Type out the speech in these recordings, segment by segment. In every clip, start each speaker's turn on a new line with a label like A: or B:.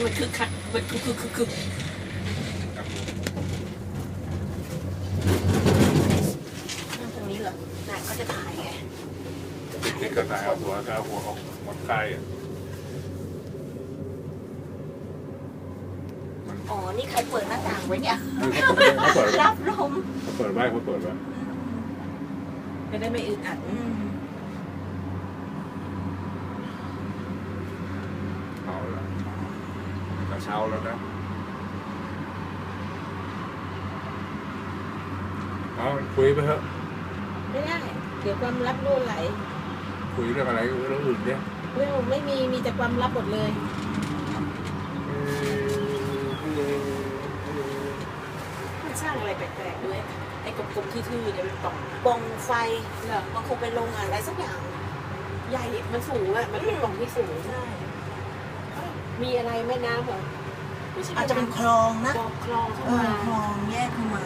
A: มันคึกคักมันคึกตรงนี้เหรอน่ะก็จะถ่ายไง
B: นี่ก็ถ่ายเอาหัวออกหมดใกล้
A: อ๋อนี่ใครเปิดหน้าต่างไว้เนี่ย
B: เขาเปิด
A: รับลม
B: เขาเปิดไว้
A: จะได้ไม่อึดอัด
B: เอาละกระเช้าแล้วนะเอาคุยไปเถอะ
A: ไม่ได้เดี๋ยวความลับรั่วไหล
B: คุยเรื่องอะไรเรื่องอื่นเนี่ย
A: ไม่มีแต่ความลับหมดเลยมันสร้างอะไรแปลกๆด้วยไอ้กลมๆทื่อๆเนี่ยมันปล่องไฟเหรอมันคงเป็นโรงงานอะไรสักอย่างใหญ่มันสูงอ่ะมันเป็นปล่องที่สูงใช่มีอะไรแม่น้ำเหรอ
C: อาจจะเป็นคลองนะ
A: คลองเข้ามา
C: คลองแยกเข้ามา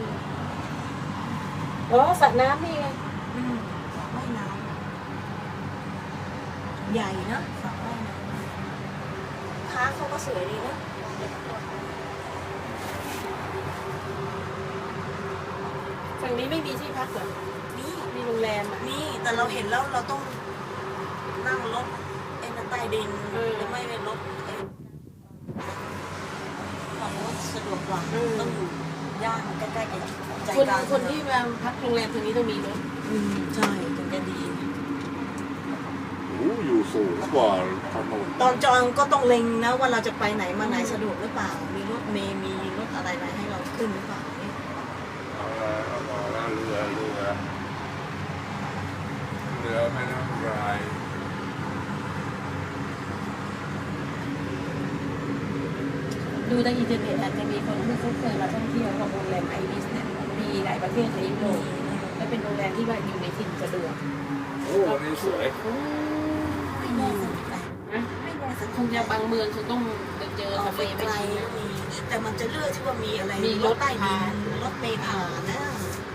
A: สระน้ำนี่ไง
C: สระว่ายน้ำใหญ่นะสระว่ายน้ำ
A: ค้าเขาก็สวยดีนะฝั่งนี้ไม่มีที่พักเหรอมีโรงแรมอ่ะ
C: นี่แต่เราเห็นแล้วเราต้องนั่งรถใต้ดินหรือไม่เป็นรถฝั่งนู้นสะดวกกว่าต้องอยู่ย่านใกล้ๆกับใจกลาง
A: คนที่มาพักโรงแรมตรงนี้ต้องมีรถ
C: ใช่ถึงจะดี
B: อยู่สูงกว่าถนน
C: ตอนจองก็ต้องเล็งนะว่าเราจะไปไหนมาไหนสะดวกหรือเปล่ามีรถเมล์มีรถอะไรให้เราขึ้นหรือเปล่าเนี่ย
B: เอาเรือแม่น้ำราย
A: ดูในอินเทอร์เน็ตอาจจะมีคนที่เขาเคยมาท่องเที่ยวของโรงแรมไอริสเนี่ยมีหลายประเทศในยุโรปและเป็นโรงแรมที่ว่าอยู่ในถิ่นสะดวก
B: โอ้วันนี้สวย
C: ไม่แน่
A: คงจะบางเมืองคงต้องเจอทะเลไม่ใช่
C: แต่มันจะเลือกที่ว่ามีอะไร
A: มีรถใต้ดิน
C: รถเมล์ผ่านนะ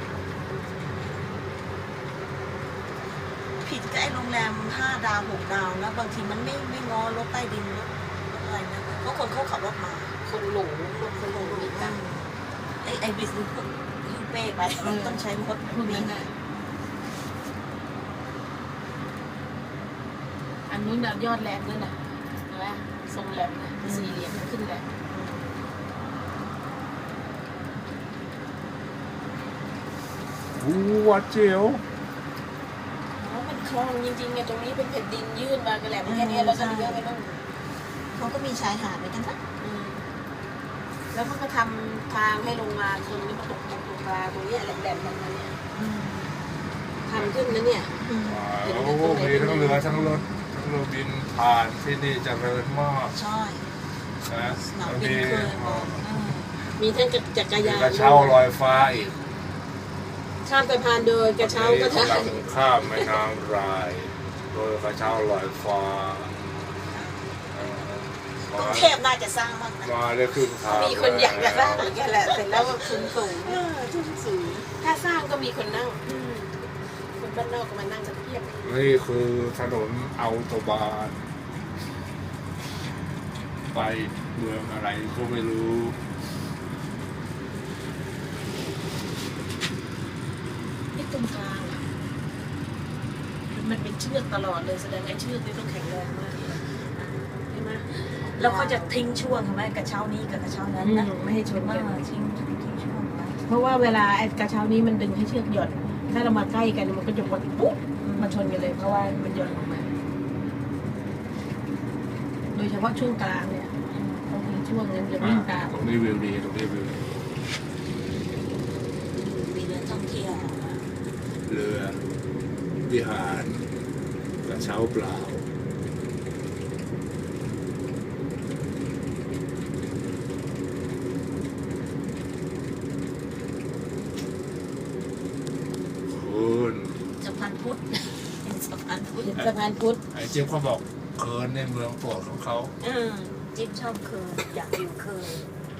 C: ผิดกับไอ้โรงแรม5 ดาว 6 ดาวนะบางทีมันไม่งอรถใต้ดินรถอะไรนะเพราะคนเขาขับรถมา
A: คนหลงมีตัง
C: ไอ้บิสพวกเป้ไปต้องใช้รถ
A: พวกนั้นนะอันนู้นแบบยอดแหลมนั่นน่ะนะทรงแหลมนะสี่เหลี่ยมขึ้นแหลม
B: วัดเจียว
A: มันคลองจริงๆไงตรงนี้เป็นแผ่นดินยื่นมากระแหลมแค่นี้เราจะเลี้ยวไปต้อง
C: เขาก็มีชายหาดเหมือนกันนะ
A: แล้วเขาก็ทำทางให้ลงมาตรงนี้มาตกปลาตรงนี้แหลมๆประมาณนี้ทำขึ้นนะเนี่ย
B: โอ้โหมีทั้งเรือทั้งรถทั้งเรือบินผ่านที่นี่เจริญมาก
C: ใช่
B: นะ
A: มีทั้งจักรยาน
B: กระเช้าลอยฟ้าอีก
A: ข้ามสะพานโดยกระเช้าก็ได้
B: ข้ามแม่น้ำรายโดยกระเช้าลอยฟ้าก
C: รุงเทพน่าจะสร้างบ้างนะ
B: มาได้ขึ้นทาง
A: มีคนอยากจะสร้างเหมือนกันแหละเสร็จแล้วก็ทุนสูงถ้าสร้างก็มีคนนั่งคนบ้านนอกก็มานั่งกันเพียบ
B: นี่คือถนนอัลโตบานไปเมืองอะไรก็ไม่รู้
A: ตรงกลางมันเป็นเชือกตลอดเลยแสดงไอ้เชือกนี่ต้องแข็งแรงมากใช่ไหม
C: แล้วเขาจะทิ้งช่วงใช่ไหมกระเช้านี้กับกระเช้านั้นนะ
A: ไม่ให้ชนกัน
C: ทิ้งช่วงไว้
A: เพราะว่าเวลาไอ้กระเช้านี้มันดึงให้เชือกหย่อนถ้าเรามาใกล้กันมันก็จะปุ๊บมาชนกันเลยเพราะว่ามันหย่อนลงมาโดยเฉพาะช่วงกลางเนี่ยบางทีช่วงนั้นจะวิ่งตาม
B: ตรงนี้วิวดีตรงนี้วิว
C: มีเรือท่องเที่ยว
B: เรือวิหารกระเช้าเปล่าคุณ
C: สะพานพุทธสะพานพุทธ
B: ไอ้เจี๊ยบเขาบอกเคิร์นในเมืองโปรดของเขา
C: จิ๊บชอบเคิร์นอยากอยู่เคิร์น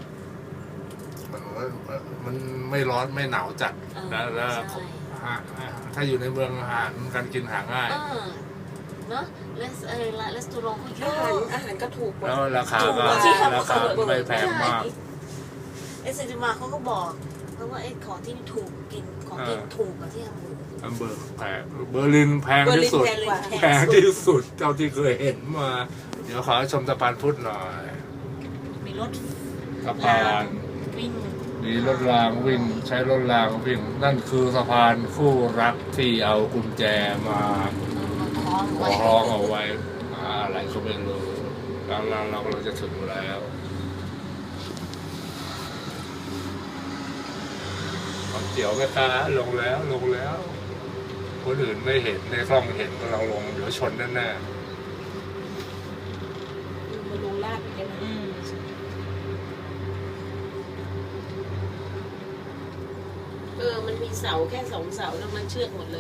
B: มันไม่ร้อนไม่หนาวจัดแล้วถ้าอยู่ในเมืองอาหารการกินหาง่าย
C: เนาะและร้านสตูรองก็เย
A: อาหาร
C: อะ
A: ก็ถูกกว่า
B: แล้วราคาก็
C: ที่ทำ
B: ราคาไม่แพงมาก
C: ไอ้เซนติมาเขาก็บอกเพราะว่าไอ้ของที่นี่ถูกกินของกินถูกกว่าที่ฮัมบูร์ก
B: แพงเบอร์ลินแพงที่สุด แพงที่สุดเท่าที่เคยเห็นมา เดี๋ยวขอชมสะพานพุทธหน่อย
C: มีรถ
B: สะพาน
C: วิ่ง
B: มีรถรางวิ่งใช้รถรางวิ่ง นั่นคือสะพานคู่รักที่เอากุญแจมา
C: คล้องไว้
B: คล้องเอาไว้อะไรก็ไม่รู้แล้วเราจะถึงแล้วความเจียวแม่ค้าลงแล้วคนอื่นไม่เห็นในกล้องเห็นก็เราลงเดี๋ยวชนแน่
A: มันลงลาดเหมือนกันนะ
C: อืม
A: มันมีเสาแค่2 เสาแล้วมันเชือกหมดเลย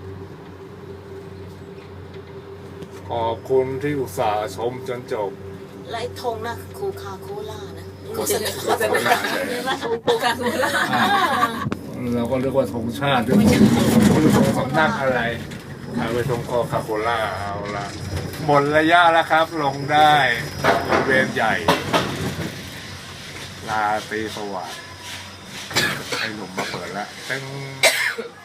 B: ๆขอบคุณที่อุตส่าห์ชมจนจบ
C: และไอ้ธงนะโคคาโคล่านะ
A: โฆษณาโฆษณา
C: ใช่ไหม
A: โคคาโคล่า
B: เราก็เรียกว่าธงชาติด้วยธงสำนักอะไรเอาไปธงคอคาโคล่าเอาละหมดระยะแล้วครับ ลงได้บริเวณใหญ่ลาตรีสวัสดิ์ให้หนุ่มมาเปิดแล้วเต้ง